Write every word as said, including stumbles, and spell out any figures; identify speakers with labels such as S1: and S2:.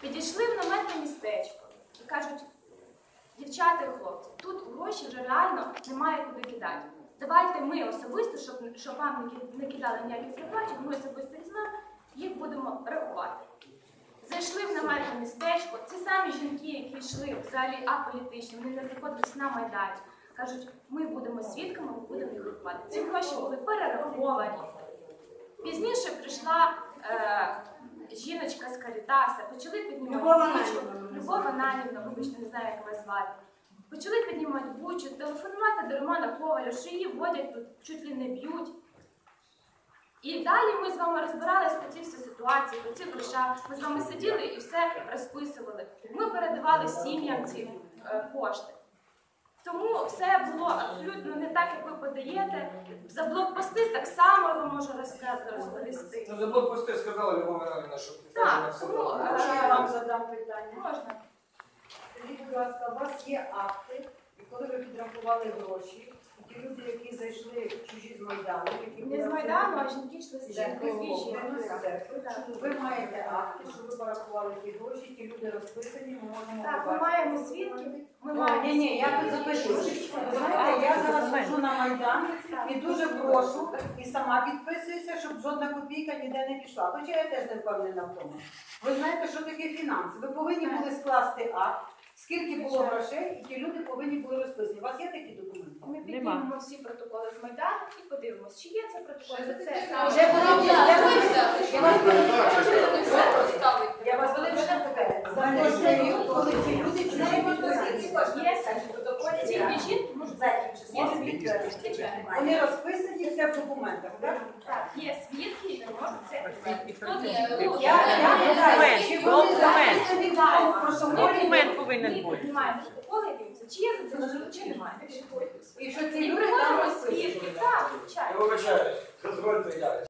S1: Підійшли в наметне містечко і кажуть, дівчата і хлопці, тут гроші вже реально немає куди кидати. Давайте ми особисто, щоб, щоб вам не кидали ніяких зарплатів, ми особисто візьмемо, їх будемо рахувати. Зайшли в наметне містечко, ці самі жінки, які йшли взагалі аполітичні, вони не знаходились на Майдані, кажуть, ми будемо свідками, ми будемо їх рахувати. Ці гроші були перераховані. Пізніше прийшла е, жіночка з Карітаса, почали піднімати бучу, Любов Ананівна, вибачте, не знаю, як вас звати. Почали піднімати бучу, телефонувати до Романа Коваля, що її водять тут, чуть ли не б'ють. І далі ми з вами розбиралися по цій всій ситуації, по цих грошах. Ми з вами сиділи і все розписували. Ми передавали сім'ям ці е, кошти. Тому все було абсолютно не так, як ви подаєте. За блокпости так само його можу розповісти.
S2: Ну, за блокпости сказала Любов Ананівна, що
S1: так, тому,
S3: можна я вам задам питання?
S1: Можна.
S3: Скажіть, будь ласка, у вас є акти, і коли ви підрахували гроші, ті люди, які зайшли чужі з Майдану, які
S1: Не з Майдану, а жінки йшли з
S3: церкви,
S1: жінки.
S3: ви маєте акти, що ви порахували ті гроші, ті люди розписані, ми можемо
S1: Так, ми
S3: побачити.
S1: маємо свідків. Ми
S3: Ні,
S1: маємо
S3: ні, я тут запишу. Ви знаєте, я зараз ходжу на Майдан і дуже прошу, і сама підписуюся, щоб жодна копійка ніде не пішла. Хоча я теж не впевнена в тому. Ви знаєте, що таке фінанси? Ви повинні були скласти акт, скільки було грошей, і ті люди повинні були розписані. У вас є такі документи?
S1: Ми піднімемо всі протоколи з Майдану і подивимося, чи є це протокол за це.
S3: Вже були Я вас були вже питаю. За той період, коли ці люди чужі
S1: Ці жінки можуть закінчити.
S3: вони розписані, все в документах, так?
S1: Так, є свідки, які можуть це підтвердити.
S3: Я питаю, чи вони записані в тому, про що говорять?
S4: Документ повинен
S1: Ми
S4: бути.
S1: піднімаємо протоколи і дивимося, чи є за це можливо, чи немає.
S3: І що ці
S1: І
S3: люди там
S1: приводимо
S3: розписані?
S1: свідки. Так, звичайно.
S2: Я вибачаюсь, дозвольте я.